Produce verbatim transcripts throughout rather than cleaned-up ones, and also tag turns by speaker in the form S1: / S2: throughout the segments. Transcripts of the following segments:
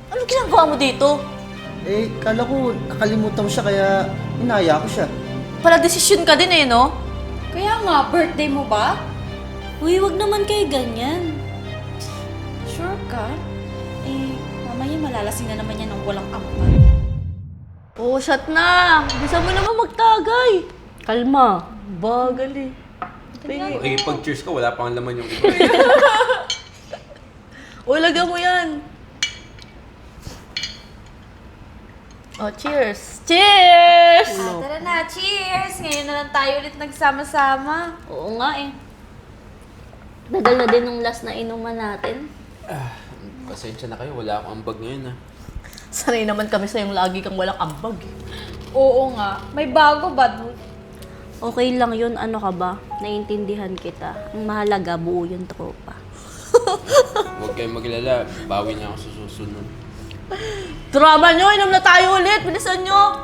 S1: Ano ginagawa mo dito?
S2: Eh, kala ko nakalimutan mo siya kaya inaya ko siya.
S1: Pala desisyon ka din eh, no?
S3: Kaya nga, birthday mo ba?
S4: Uy, wag naman kayo ganyan.
S3: Sure ka? Eh, mamaya malalasing na naman yan ng walang ampag.
S1: Oo, shot na! Bisa mo naman magtagay! Kalma. Bagal eh. Tingin.
S5: Okay, pag cheers ka, wala pang laman yung iba.
S1: O, lagyan mo yan. Oh, cheers! Cheers!
S3: Ah, tara na, cheers! Ngayon na lang tayo ulit nagsama-sama.
S4: Oo nga eh. Tagal na din nung last na inuman natin.
S5: Pasensya na kayo, wala akong ambag ngayon ah.
S1: Sanay naman kami sa yung lagi kang walang ambag eh.
S3: Oo nga, may bago ba doon?
S4: Okay lang yun, ano ka ba? Naiintindihan kita. Ang mahalaga, buo yung tropa.
S5: Huwag kayong maglala, bawi na ako sa susunod.
S1: Drama nyo! Inom na tayo ulit! Bilisan nyo!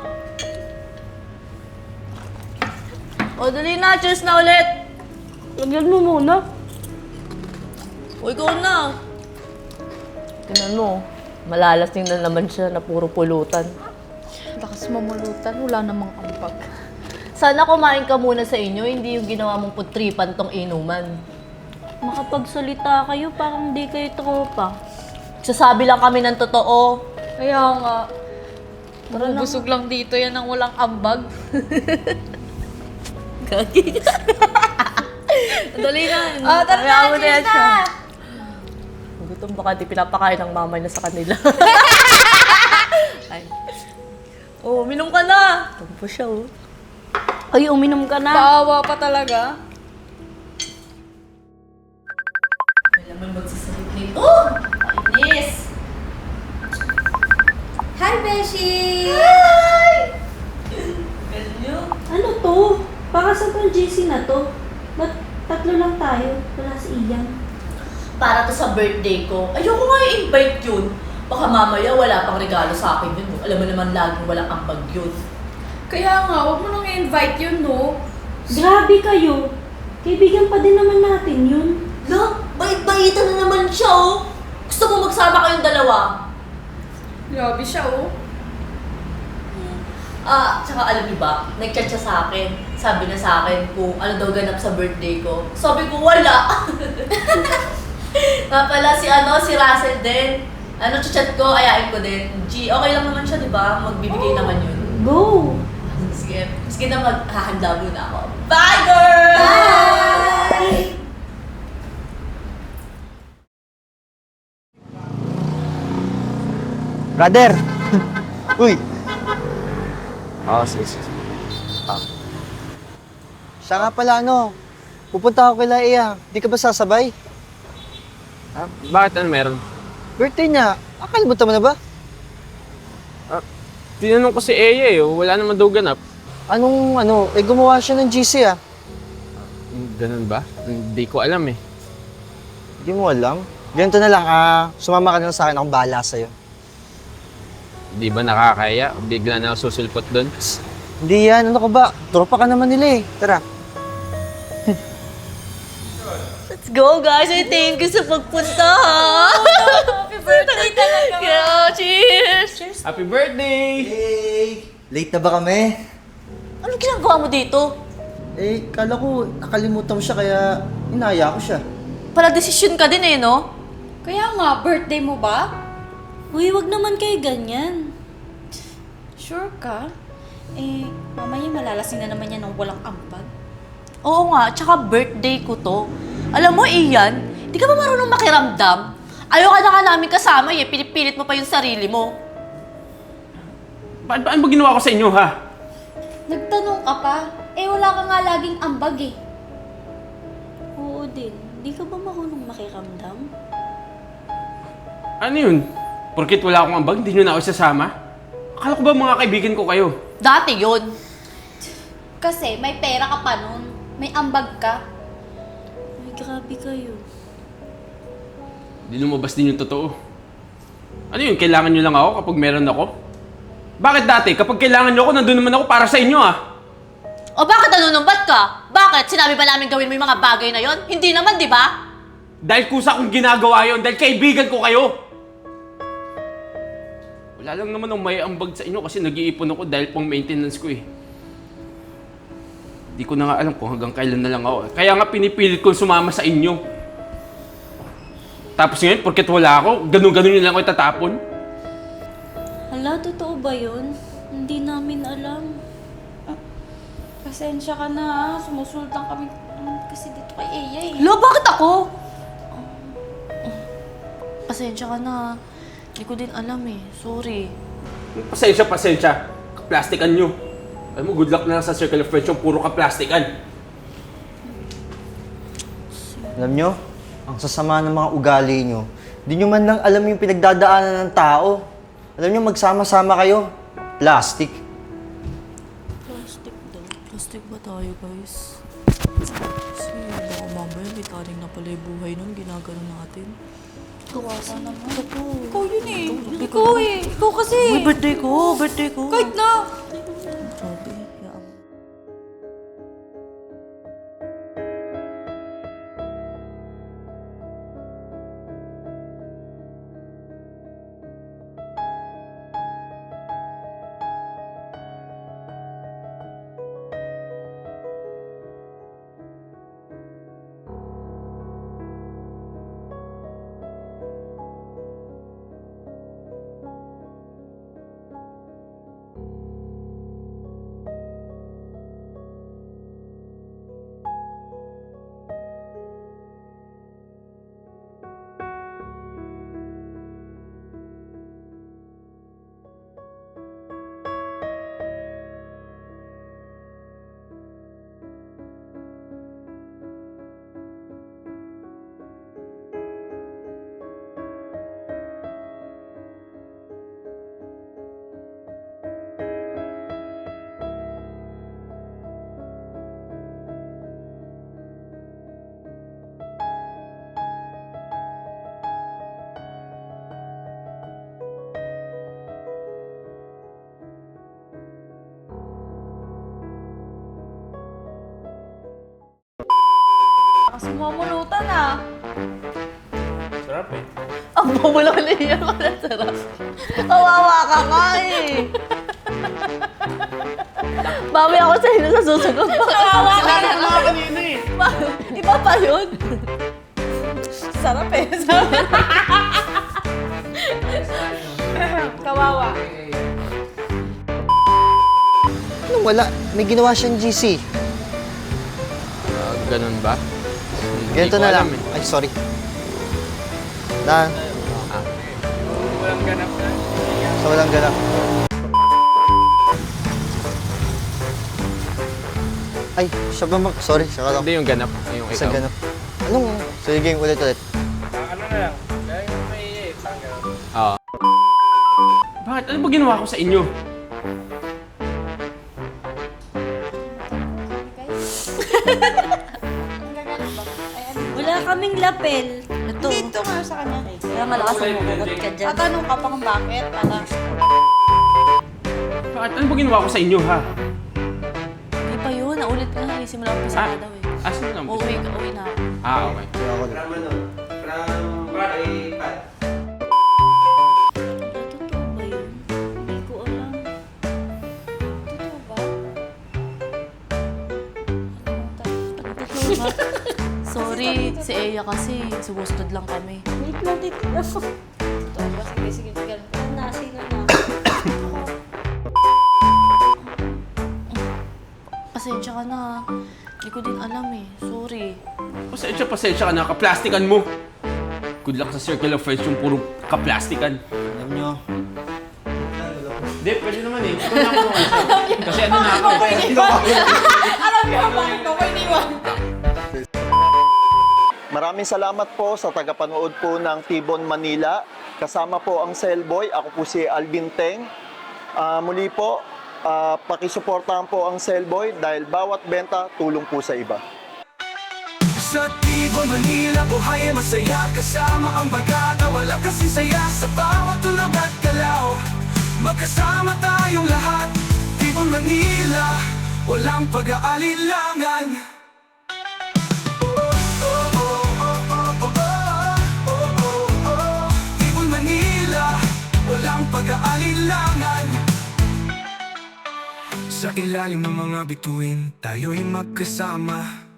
S1: O, dali na! Cheers na ulit!
S4: Lagyan mo muna.
S1: O, ikaw na! Tingnan mo, malalasing na naman siya na puro pulutan.
S3: Lakas mamulutan, wala namang ampag.
S1: Sana kumain ka muna sa inyo, hindi yung ginawa mong putripan tong inuman.
S4: Makapagsalita kayo, parang di kayo tropa.
S1: Sasabi lang kami ng totoo.
S3: Kaya nga, busog lang dito yan ng walang ambag.
S1: Gagi. Dali na.
S3: Oh, tara
S1: Kaya
S3: na,
S1: mo
S3: cheers
S1: yan siya.
S3: na!
S1: Gutom baka di pinapakain ng mama niya sa kanila. Ay. Oh, minom ka na. Tumpo siya, oh.
S4: Ay, uminom ka na.
S3: Paawa pa talaga.
S1: May laman magsasalit nito. Oh! Inis!
S3: Hi, Beshi!
S1: Hi! Ganyo.
S4: Ano to? Para sa tong J C na to? Ba't tatlo lang tayo? Wala si Ian.
S1: Para to sa birthday ko. Ayoko nga i-invite yun. Baka mamaya wala pang regalo sa akin yun. Alam mo naman laging walang ambag yun.
S3: Kaya nga, huwag mo nang i-invite yun, no?
S4: Grabe kayo. Kaibigan pa din naman natin yun.
S1: Na, bait-baitan na naman siya, oh. Gusto mo magsama kayong dalawa?
S3: Grabe siya, oh.
S1: Ah, tsaka alam niyo ba, nag-chat siya sa akin. Sabi na sa akin kung ano daw ganap sa birthday ko. Sabi ko, wala. Nga pala, si ano, si Russell din. Ano, chat ko, ayain ko din. G, okay lang naman siya, di ba? Magbibigay naman yun.
S4: Go!
S1: Sige, sige na maghahanda muna ako. Bye, girl!
S3: Bye!
S2: Brother! Uy! Oo, sige, sige. Ah. Siya nga pala, ano, pupunta ako kila Iya. Di ka ba sasabay?
S5: Ah, bakit ano meron?
S2: Birthday niya. Akalimutan mo na ba?
S5: Tinanong ko si Eya eh, wala naman daw ganap.
S2: Anong, ano, eh gumawa siya ng G C ah.
S5: Ganun ba? Hindi ko alam eh.
S2: Hindi mo alam. Ganito na lang, ah, sumama ka na lang sa akin, akong bahala sa'yo.
S5: Di ba nakakaya? Bigla na ako susulpot doon.
S2: Hindi yan, ano ka ba? Tropa ka naman nila eh. Tara.
S1: Let's go, guys! I thank you sa pagpunta, ha?
S3: Happy birthday talaga!
S1: Yeah, cheers! Cheers!
S5: Happy birthday!
S2: Hey! Late na ba kami?
S1: Ano ginagawa mo dito?
S2: Eh, kala ko nakalimutan mo siya kaya inaya ko siya.
S1: Pala desisyon ka din eh, no?
S3: Kaya nga, birthday mo ba?
S4: Uy, wag naman kayo ganyan.
S3: Sure ka? Eh, mamaya malalasing na naman yan ng walang ampag.
S1: Oo nga, tsaka birthday ko to. Alam mo, Ian, di ka ba marunong makiramdam? Ayaw ka na nga namin kasama eh, pinipilit mo pa yung sarili mo.
S5: Pa paano ba ginawa ko sa inyo ha?
S3: Nagtanong ka pa? Eh, wala ka nga laging ambag eh.
S4: Oo din. Di ka ba marunong makiramdam?
S5: Ano yun? Porkit wala akong ambag, hindi nyo na ako isasama? Akala ko ba mga kaibigan ko kayo?
S1: Dati yun.
S3: Kasi may pera ka pa nun. May ambag ka.
S4: Uy, grabe kayo.
S5: Hindi lumabas din yung totoo. Ano yun? Kailangan nyo lang ako kapag meron ako? Bakit dati? Kapag kailangan nyo ako, nandun naman ako para sa inyo ah!
S1: O bakit nanunumbat ka? Bakit? Sinabi ba namin gawin mo yung mga bagay na yon? Hindi naman, di ba?
S5: Dahil kusa kong ginagawa yon dahil kaibigan ko kayo! Wala lang naman ang may ambag sa inyo kasi nag-iipon ako dahil pang maintenance ko eh. Di ko na nga alam kung hanggang kailan na lang ako. Kaya nga pinipilit kong sumama sa inyo. Tapos ngayon, porket wala ako, ganun-ganun yun lang ako itatapon.
S3: Hala, totoo ba yun? Hindi namin alam. Ah, pasensya ka na ah. Sumusultang kami um, kasi dito kay Eya eh.
S1: Lo, bakit ako? Pasensya ka na. Hindi ko din alam eh. Sorry.
S5: Pasensya, pasensya. Kaplastikan nyo. Alam mo, good luck na lang sa circle of friends yung puro kaplastikan.
S2: Alam nyo, ang sasama ng mga ugali nyo. Di nyo man lang alam yung pinagdadaanan ng tao. Alam nyo, magsama-sama kayo. Plastic.
S1: Plastic daw. Plastic ba tayo, guys? Kasi baka mamaya may taring na pala yung buhay nun. Ginagano natin.
S3: Kawawa naman.
S1: Ito.
S3: Ikaw yun eh. Ikaw eh. Ikaw kasi.
S1: Uy, birthday ko! Birthday ko!
S3: Kahit na.
S1: Grabe. Hayaan mo.
S3: Kasi mamulutan ah.
S5: Sarap eh.
S1: Ang bumula na iyan ko na sarap. Kawawa ka nga eh. Bawi ako sa inyo sa susunod. Kawawa ka na nga kanina eh. Iba pa yun. Sarap eh. Sarap.
S3: Kawawa.
S2: Anong wala? May ginawa siyang G C.
S5: Ah, ganun ba? Hindi
S2: Ganito
S5: ko
S2: na
S5: alam
S2: lang.
S5: eh.
S2: Ay, sorry. Na.
S5: Walang ganap na.
S2: Sa walang ganap. Ay, siya ba mag... Sorry, siya ka lang.
S5: Hindi yung ganap, yung
S2: Sa
S5: ikaw.
S2: ganap. Anong... Sige, ulit ulit.
S5: Oo. Bakit? Ano ba ginawa ko sa inyo?
S4: Wala kaming lapel.
S1: Ito.
S3: Dito nga sa kanya.
S1: Kaya malakas ang mukugot ka dyan.
S3: Tatanong ka pa kung bakit. Para
S5: Bakit? Ano ba ginawa ko sa inyo, ha?
S1: Hindi pa yun. Naulit nga eh. Simula ko
S5: Ah,
S1: daw eh.
S5: asan lang?
S1: Uuwi ka. Uwi na ako.
S5: Ah, okay.
S2: Sige ako ulit.
S1: Totoo ba yun? Hindi ko alam.
S3: totoo ba?
S1: Totoo ba? Sorry, si Eya kasi. Sumusunod lang kami.
S4: Wait lang, wait lang.
S3: Totoo ba? Sige, sige, sige.
S4: Nasi na na.
S1: Pasensya ka na. Hindi ko din alam eh. Sorry.
S5: Pasensya, pasensya ka na. Kaplastikan mo. Good luck sa circle of friends yung puro kaplastikan.
S2: Alam nyo,
S5: Hindi, pwede naman eh. Ito na ako naman siya. Kasi ano na ako eh.
S3: Alam niyo bakit ako iniwan?
S6: Maraming salamat po sa tagapanood po ng Tibon Manila. Kasama po ang Cellboy. Ako po si Alvin Teng. Ah, muli po, ah, pakisuportahan po ang Cellboy dahil bawat benta tulong po sa iba.
S7: Sa Tibon, Manila, buhay ay masaya. Kasama ang bagata, wala kasing saya. Sa bawat tulog at galaw, magkasama tayong lahat. Tibon, Manila, walang pag-aalilangan. Tibon, Manila, walang pag-aalilangan. alinlangan. Sa ilalim ng mga bituin, tayo'y magkasama.